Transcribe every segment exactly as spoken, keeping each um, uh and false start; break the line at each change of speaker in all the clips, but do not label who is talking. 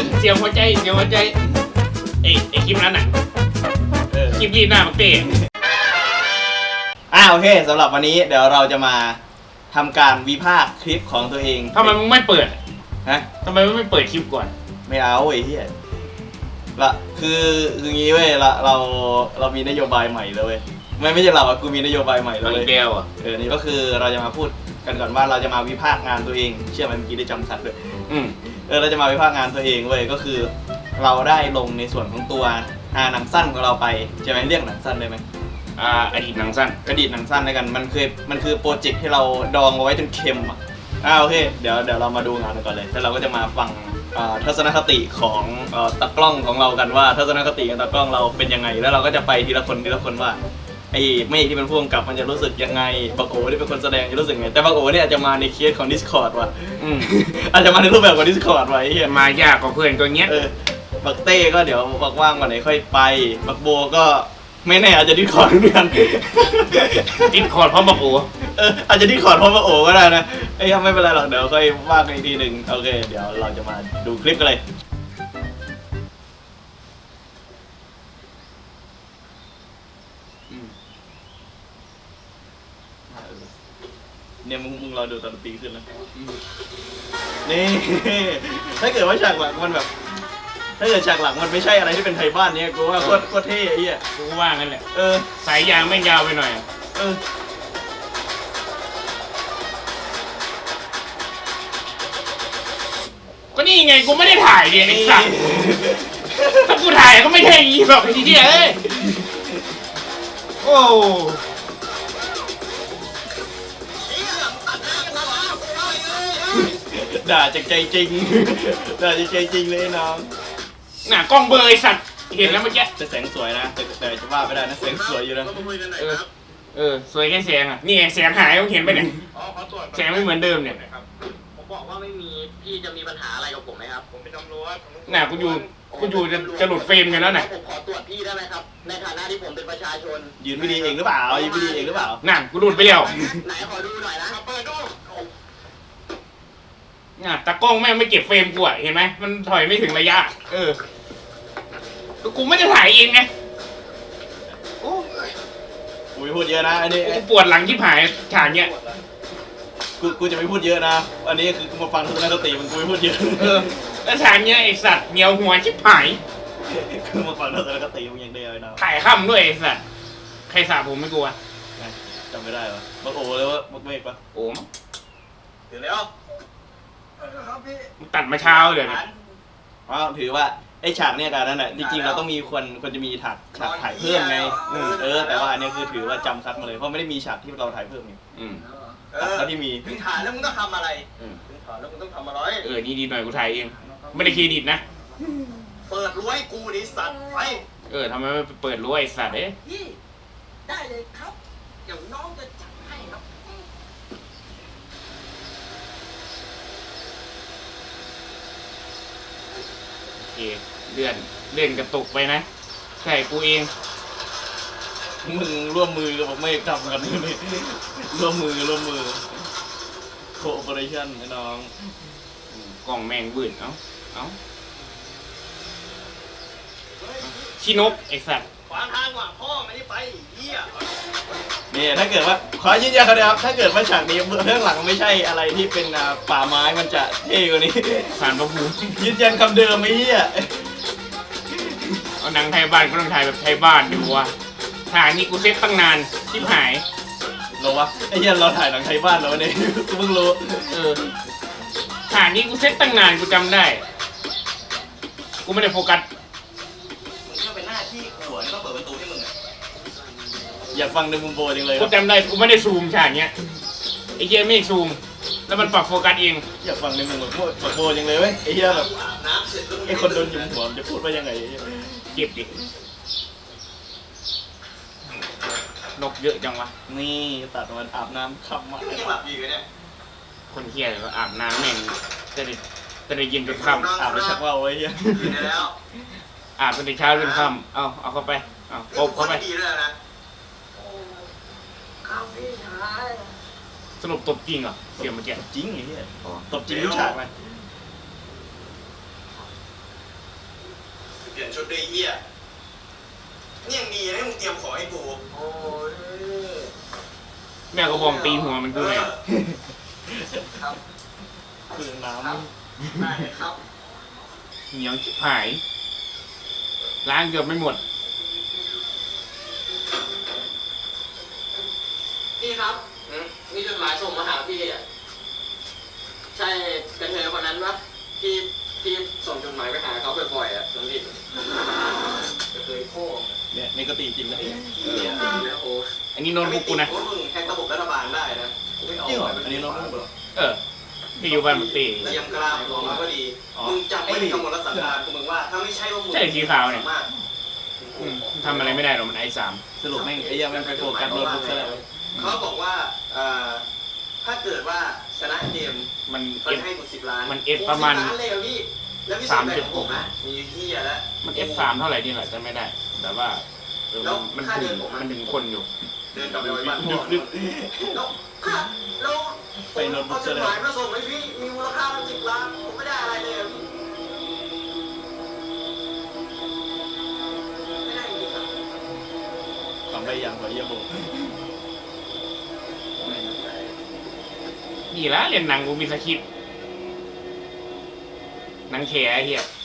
เสียงหัวใจเสียงหัวใจไอ้ไอ้คลิปนั้นอ่ะคลิปที่หน้ามันเตะ
อ่าโอเคสำหรับวันนี้เดี๋ยวเราจะมาทำการวิพากษ์คลิปของตัวเอง
ทำไมมึงไม่เปิด
ฮะ
ทำไมมึงไม่เปิดคลิปก่อน
ไม่เอาไอ้เหี้ยละคือคืองี้เว้ยละเราเรามีนโยบายใหม่เลยเว้ยไม่ไม่ใช่เราอะกูมีนโยบายใหม่เลย
เบลอ่ะ
เออนี่ก็คือเราจะมาพูดกันก่อนว่าเราจะมาวิพากษ์งานตัวเองเชื่อไหมเมื่อกี้ได้จำสัตว์ด้วย
อืม
เออเราจะมาวิพากษ์งานตัวเองเว้ยก็คือเราได้ลงในส่วนของตัวอ่าหนังสั้นของเราไปใช่ไหมเรียกหนังสั้นได้ไหม
อ่าอดีตหนังสั้น
อดีตหนังสั้นด้วยกันมันคือมันคือโปรเจกต์ที่เราดองเอาไว้จนเค็มอ่ะอ่าโอเคเดี๋ยวเดี๋ยวเรามาดูงานกันก่อนเลยแล้วเราก็จะมาฟังทัศนคติของตากล้องของเรากันว่าทัศนคติของตากล้องเราเป็นยังไงแล้วเราก็จะไปทีละคนทีละคนว่าไอ้เมฆที่เป็นผู้กำกับมันจะรู้สึกยังไงบักโอที่เป็นคนแสดงจะรู้สึกไงแต่บักโอเนี่ยอาจจะมาในเคสของ Discord ว่ะอาจจะมาในรูปแบบของ Discord ไว้เหี้ย
มายากกว่าเพื่อนตัวเงี้ย
เออบักเต้ก็เดี๋ยวบักว่างวันไหนค่อยไปบักโบก็ไม่แน่อาจจะดิสคอร์ดเหมือนกัน
ดิสคอร์ดเพราะบักโอ
เอออาจจะดิสคอร์ดเพราะบักโอก็ได้นะไอ้ยังไม่เป็นไรหรอกเดี๋ยวค่อยว่ากันอีกทีหนึ่งโอเคเดี๋ยวเราจะมาดูคลิปกันเลยเนี่ยมึงมึงรอดูตอนตีขึ้นนะนี่ถ้าเกิดว่าฉากหลังมันแบบถ้าเกิดฉากหลังมันไม่ใช่อะไรที่เป็นไทยบ้านเนี่ยกูว่าโคตรโคตรเท่ไอ้เหี้ย
กูว่างั้นแหละ
เออ
สายยางไม่ยาวไปหน่อย
เออ
ก็นี่ไงกูไม่ได้ถ่ายเลยไอ้สัสถ้ากูถ่ายก็ไม่ใช่อีแบบทีเดียวเอ้ยโอ้
ด่าจากใจจริงด่าจากใจจริงเลยน้อง
น่ะกล้องเบอร์ไอสัตว์เห็นแล้วเมื่อกี้
แต่แสงสวยนะแต่แต่จะว่าไม่ได้นะแสงสวยอยู่นะ
เออเออสวยแค่แสงอ่ะนี่แสงหายต้องเห็นไปเนี่ยแสงไม่เหมือนเดิมเนี่ย
ผมบอกว่าไม่มีพี่จะมีปัญหาอะไรกับผมไหมครับผมเป็นตำรวจ
น่ะกูอยู่กูอยู่จะจะหลุดเฟรมกันแล้วน่ะ
ผมขอตรวจพี่ได้ไหมครับในฐานะที่ผมเป็นประชาชน
ยืนไม่ดีเองหรือเปล่ายืนไม่ดีเองหรือเปล่า
น่ะกูหลุดไปแล้ว
ไหนขอดูหน่อยนะเปิดดู
น่ะตากล้องแม่งไม่เก็บเฟรมกูอ่ะเห็นไหมมันถอยไม่ถึงระยะเออกูไม่ได้ถ่ายเองไง
โอ้ยกูไม่พูดเยอะนะอันนี้
กูปวดหลังที่ผายฉากเนี้ย
กูกูจะไม่พูดเยอะนะอันนี้คือกูมาฟังทุกนักดนตรีมันกูไม่พูดเยอะ
เออแล้วฉากเนี้ยไอสัตว์เหนียวหัวชิบหาย
คือมาฟังทุกนักดนตรีมึงอย่างเดียวนะ
ถ่ายค่ำด้วยไอสัตว์ใครสาผมไม่กลัว
จำไม่ได้วะบักโอเลยว่าบักเมฆปะ
โอ้ม
ถึงแล้ว
มึงตัดมาเช้าเลยเนี่ย
อ๋อถือว่าไอ้ฉากเนี่ยการนั้นแหละจริงๆเราต้องมีคนคนจะมีฉากฉากถ่ายเพิ่มไงเออแต่ว่าอันนี้คือถือว่าจำคัดมาเลยเพราะไม่ได้มีฉากที่เราถ่ายเพิ่มไงตัดเท่าที่มี
มึงถ่ายแล้วมึงต้องทำอะไรมึงถ่ายแล้วมึงต้องทำอะไร
เออนี่ดีหน่อยกูถ่ายเองไม่ได้เครดิตนะ
เปิดรั้วให้กูดิสัตว์ไป
เออทำไมไม่เปิดรั้วไอ้สัตว์เอ๊ะ
ได้เลยครับเดี๋ยวน้องจะจัดให้ครับ
โอเคเลื่อนเลื่อนกระตุกไปนะใช่กูเอง
มึงร่วมมือกับผมไม่ทำกันนี่ร่วมมือร่วมมือโคเปอเรชั่นไอ้น้อง
กล่องแมงบื่นเอ้าเอ้าชินกไอสัตว์
ขวางทางว่ะพ่อไม่ได้ไปเหี้ย
นี่ถ้าเกิดว่าขอยืนยันครับถ้าเกิดว่าฉากนี้เรื่องหลังไม่ใช่อะไรที่เป็นป่าไม้มันจะเท่กว่านี้
สารพระภูมิ
ยืนยันคำเดิมไอ้เหี้ย
เอาหนังไทยบ้านก็ต้องถ่ายแบบไทยบ้านดูวะถ่ายนี่กูเซตตั้งนานชิบหาย
เราวะไอ้เหี้ยเราถ่ายหนังไทยบ้านแล้วเนี่ยกูเพิ่งรู้
เออถ่ายนี่กูเซตตั้งนานกูจำได้กูไม่ได้โฟกัส
มึงก็เป็นหน้าที่ขวนก็เปิดประตูให้มึง
อยากฟังในมุมโบจังเลย
กูจำได้กูไม่ได้ซูมฉากเนี้ยไอ้เหี้ยไม่ซูมแล้วมันปรับโฟกัสเอง
อยากฟังในมุมโบโบจังเลยเว้ยไอ้เหี้ยแบบไอ้คนโดนยุมหัวจะพูดว่ายังไง
เก็บดินกเยอะจังวะ
นี่ตัดมันอาบน้ำค่ำมา
ยังหลับอยู่เนี่ย
คนเหี้ยเลยอาบน้ำแม่งจะได้จะได้ยินจนค่ำ
อาบแล้วชักว่าวไว้เหี้ย
อาบจนเช้าจนค่ำเอาเอาเข้าไปเอาปบเข้าไปสรุปตบจริงเหรอเสียงเมื่อกี้
จริงไอ้เหี้ยตบจริงรู้ฉากไหม
เปลี่ยนชุดด้วยเหี้ยนี่ยังดีนะมึงเตรียมของให้กูโอ้ย
แม่ก็บอมตีหัวมันกูไง
ครับ
คือน้
ครับได้ครับ
เหนียวชิบหายล้างเกือบไม่หมด
พี่ครับมีจดหมายส่งมาหาพี่อ่ะใช่กระเทยคนนั้นปะที่ที่ส่งจดหมายไปหาเขาบ่อยๆอ่ะน้องพี่กระเทยโค้ง
ำเนี่ยนี่ก็ตีจริงนะ
เหี้ยนะโอ้
อันนี้โน้ตบุ๊กกูนะ
ว่ามึงแฮกระบบรัฐบาลได้นะกูไม่เอา
จริงเหรออันนี้น้องเหรอ
เออที่อยู่บ้านมันตี
เตรียมกล้ามของมาก็ดี มึงจำไว้ในกำหนดรัฐบาลกูมึงว่าถ้าไม่ใช่ว่ามึง
ใช่สีขาวเนี่ย
มาก
อืมทำอะไรไม่ได้หรอกมันไอสาม
สรุปแม่งไอ้เหี้ยังแม่งไปโฟกัสโน้ตบุ๊กซะแล้ว
เขาบอกว่าเอ่อถ้าเกิดว่าชนะเกม
มัน
เขา
เอฟ
จะให้กูสิบล้าน
มัน F ประมาณ
โอ้สิบล้านเลยเหรอพี่แล้วพี่
สาม
แบ่
จุ
ง
ด
ผมอ่ะมีเฮียแล้ว
มันเอฟสามเท่าไหร่นี่แหละจะไม่ได้แต่ว่าเออมันมันถึงมันถึงคนอยู่
เดินกลับไปไว้บ้าน
ดึกดึก
แล้วค่ะแล้วผมเอาจดหมายมาส่งให้พี่มีมูลค่าตั้งสิบล้านผมไม่ได้อะไรเลยอะพี่ไม่ได้จริงๆครับ
ทำไปยังกว่าเยี่ยมโบ
นี่ละเรียนหนังกูมีสคริปต์หนังแขไอ้เหี้ย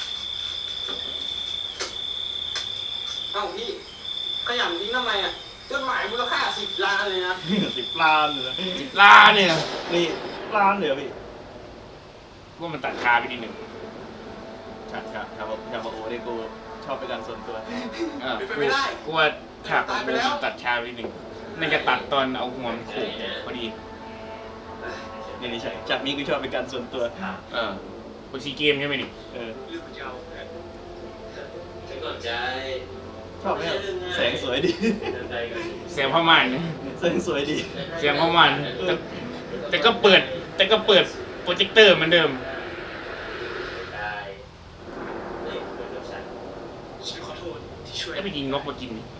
เอ้าพี่ขยำทิ้งทำไมอ่ะจดหมายมูลค่าสิบล้านเลยนะ
สิบล้านเลยนะ
ล้านเนี่ย
นี่ล้านเลยเหรอพี่
ว่ามันตัดคาไปนิดหนึ่ง
ครับครับครับผมยามาโอเนี่ยกูชอบเป็นการส่วนตัว
เออกูกูว่าฉากของกูมันตัดคาไปนิดหนึ่งน่าจะตัดตอนเอาหัวมันโขกพอดี
นี่นี่ใช่จากนี้กูชอบเป็นการส่วนตัว
เออกูซีเกมใช่ไหมนี่
เออ
ลืมเจ้าฉันก่อนใจ
ชอบไหมครับแสงสวยดี
เสียงพ่อมันนะ
แสงสวยดี
เสียงพ่อมันแต่แต่ก็เปิด แต่ก็เปิดโปรเจคเตอร์เหมือนเดิม
ได้นี่เป็นเรื่องฉันฉันขอโทษที่ช่วย
แล้วไปยิงนกมากินนี่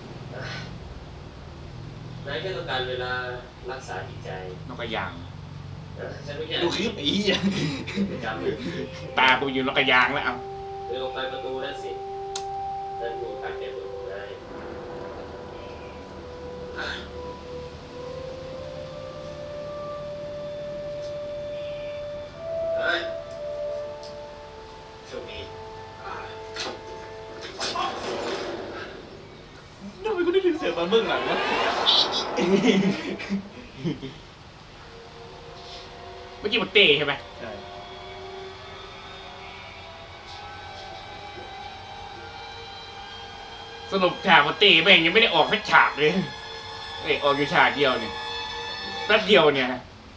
นายแค่ต้องการเวลารักษาจิตใจ
นกกระยาง
เออฉันไม่แค่
ดูคลิปไอ้เหี้ย
จำเลย
ตากูอยู่นกกระยางแล้วเอา
เดินออกไปประตูนั่นสินั่นดูการเก็บประตูได้เฮ้ยโชคดีอ่า
ทำไมกูได้ยินเสียงตอนเบื้องหลังวะ
เมื่อกี้มันเต้ใช่ไหม
ใช่
สรุปฉากมันเต้แม่งยังไม่ได้ออกสักฉากเลยเอ้ยออกอยู่ฉากเดียวเนี่ยแป๊บเดียวเนี่ย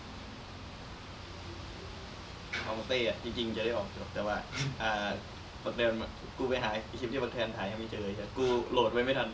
ของเต้อะจริงๆจะได้ออกอยู่แต่ว่าอ่าบักแทนกูไปหาคลิปที่บักแทนถ่ายยังไม่เจอเลยกูโหลดไว้ไม่ทัน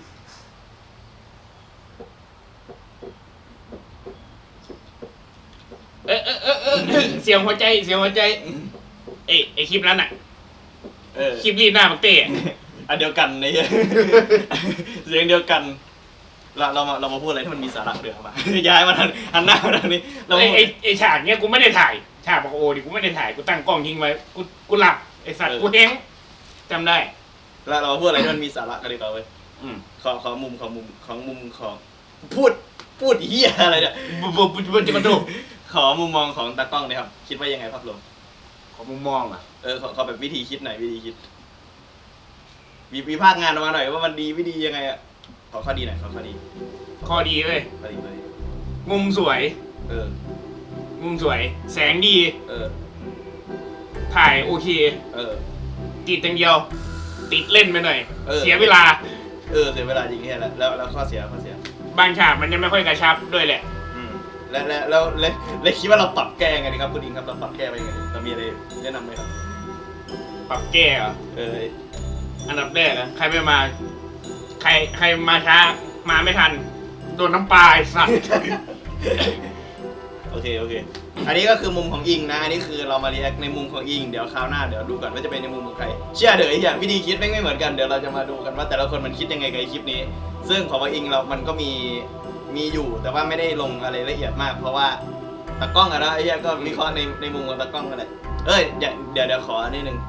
เออเออเออเออเออเสียงหัวใจเสียงหัวใจเอ้ยไอคลิปนั้นอะ
เออ
คลิปรีดหน้ามันเต้อะ
อันเดียวกันไอ้เหี้ย เสียงเดียวกันเราเรามาเรามาพูดอะไรที่มันมีสาระเดือดมา ย้ายมาทางหันหน้ามาทางนี้เรา
ไอ
มา
ไอไอฉากเนี้ยกูไม่ได้ถ่ายฉากบอกโอ้ดิกูไม่ได้ถ่ายกูตั้งกล้องทิ้งไว้กูกูหลับไอสัตว์กูเฮงจำได้
เราเรามาพูดอะไรที่มันมีสาระกันดีกว่าเว้ย
อืม
ขอขอมุมของมุมของมุมของพูดพูดเหี้ยอะไรเนี่ย
บุบบุบบุบจะมาดู
ขอมุมมองของตากล้องหนะครับคิดว่ายังไงภาพรวม
ขอมุมมองอ่ะ
เออขอขอแบบวิธีคิดหน่อยวิธีคิดมีวิพากษ์งานออกมาหน่อยว่ามันดีไม่ดียังไงอะขอข้อดีหน่อยขอข้อดี
ข้อดีเลย
ข้อดีข้อดี
มุมสวย
เออ
มุมสวย แสงดี
เออ
ถ่ายโอเค
เออ
ติดอย่างเดียว ติดเล่นไปหน่อย
เออ
เสียเวลา
เออเสียเวลาจริงแค่แล้วแล้วแล้วข้อเสียข้อเสีย
บางฉากมันยังไม่ค่อยกระชับด้วยแหละ
อืมและและแล้วและและคิดว่าเราปรับแก้ยังไงดีครับคุณอิงครับเราปรับแก้ไปยังไงดีเรามีอะไรแนะนำไหมครับ
ปรับแก้เหรอ
เออ
อันดับแรกอะใครไม่มา ใครใครมาช้า มาไม่ทัน โดนน้ำปลาไอ้สัตว์
โอเคโอเค อันนี้ก็คือมุมของอิงนะอันนี้คือเรามาเรียกในมุมของอิงเดี๋ยวคราวหน้าเดี๋ยวดูก่อนว่าจะเป็นในมุมของใครเชื่อเดี๋ยวไอ้อย่างวิธีคิดไม่ไม่เหมือนกันเดี๋ยวเราจะมาดูกันว่าแต่ละคนมันคิดยังไงกับไอ้คลิปนี้ ซึ่งของอิงเรามันก็มีมีอยู่แต่ว่าไม่ได้ลงอะไรละเอียดมาก เพราะว่าตากล้องอะนะไอ้เหี้ยก็วิเคราะห์ในในมุมของตากล้องกันแหละเอ้ยเดี๋ยวเดี๋ยวเดี๋ยวขออันนี้หนึ่ง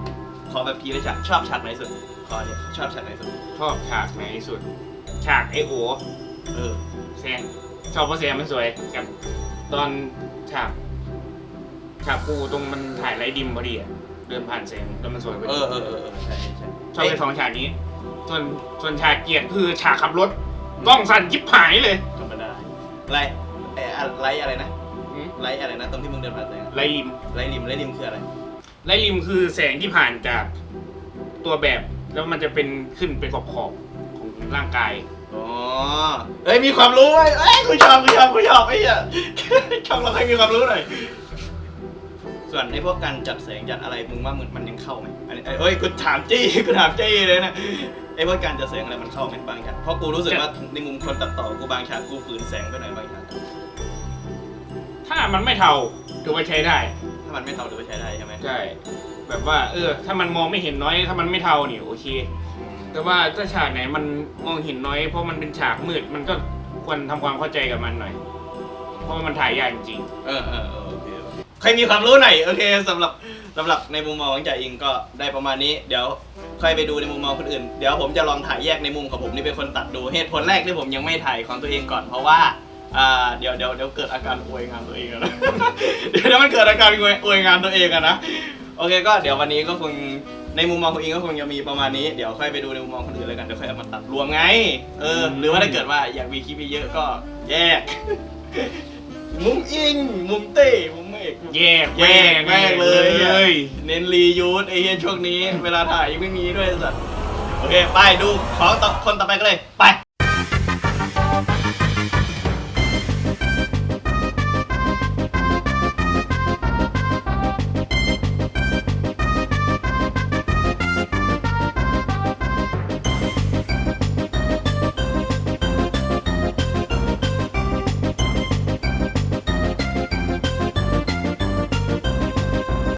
ขอแบบทีละฉากชอบฉากไหนสุดขอเนี่ยชอบฉากไหนสุด
ชอบฉากไหนสุด ฉากไอโอ
เออ
แซงชอบเพราะแซงมันสวยกับตอนฉากฉากกูตรงมันถ่ายไรดิมพอดีอะเดินผ่านแสงแล้วมันสวยพอ
เอ
ดี
อเออเออใช่ใช่
ชอบไปสองฉากนี้ ส่วนส่วนฉากเกลียดคือฉากขับรถกล้องสั่นยิบหายเลย
ธรรมดาไล่ไอ้อะไล่อะไรนะ
อืม
ไล่อะไรนะตรงที่มึงเดินผ่านแสง
ไรริม
ไล่ริมไล่ริมคืออะไร
ไรริมคือแสงที่ผ่านจากตัวแบบ แล้วมันจะเป็นขึ้นเป็นขอบขอบๆของร่างกาย
อ๋อเอ้ยมีความรู้ไว้เอ้ยกูชอบกูชอบกูชอบไอ้เหี้ย ชอบเราให้มีความรู้หน่อยส่วนไอ้พวกการจัดแสงจัดอะไรมึงว่ามึงมันยังเข้าไหมอันนี้เอ้ยกูถามจี้กูถามจี้เลยนะไอ้พวกการจัดแสงอะไรมันเข้าไหมบางฉากเพราะกูรู้สึกว่าในมุมคนตัดต่อกูบางฉากกูฝืนแสงไปหน่อยบางฉาก
ถ้ามันไม่เทาถือว่าใช้ได้
ถ้ามันไม่เท่าถือว่าใช้ได้ใช่ไหม
ใช่ แบบว่า เออ ถ้ามันมองไม่เห็นน้อย ถ้ามันไม่เทานี่โอเค แต่ว่าถ้าฉากไหนมันมองเห็นน้อย เพราะมันเป็นฉากมืด มันก็ควรทำความเข้าใจกับมันหน่อย เพราะว่ามันถ่ายยากจริง
เออเออเออโอเคโอเคใครมีความรู้หน่อยโอเคสำหรับสำหรับในมุมมองของจ่าอิงก็ได้ประมาณนี้เดี๋ยวค่อยไปดูในมุมมองคนอื่นเดี๋ยวผมจะลองถ่ายแยกในมุมของผมนี่เป็นคนตัดดูเหตุผลแรกที่ผมยังไม่ถ่ายของตัวเองก่อนเพราะว่าอ่าเดี๋ยวเดี๋ยวเดี๋ยวเกิดอาการอวยงานตัวเองอะนะ เดี๋ยวเดี๋ยวมันเกิดอาการอวยอวยงานตัวเองอะนะโอเคก็เดี๋ยววันนี้ก็คงในมุมมองของอิงก็คงจะมีประมาณนี้เดี๋ยวค่อยไปดูในมุมมองคนอื่นแล้วกันเดี๋ยวค่อยเอามาตัดรวมไงเออหรือว่าถ้าเกิดว่าอยากมีคลิปเยอะๆก็แยก มุมอิงมุมเต้มุมเมฆ
ๆ แยก
แยกแม่งเลย
เลย
เน้นรียูสไอ้เหี้ยช่วงนี้ เวลาถ่ายยังไม่มีด้วยสัตว์โอเค ไปดูของต่อคนต่อไปกันเลย ไป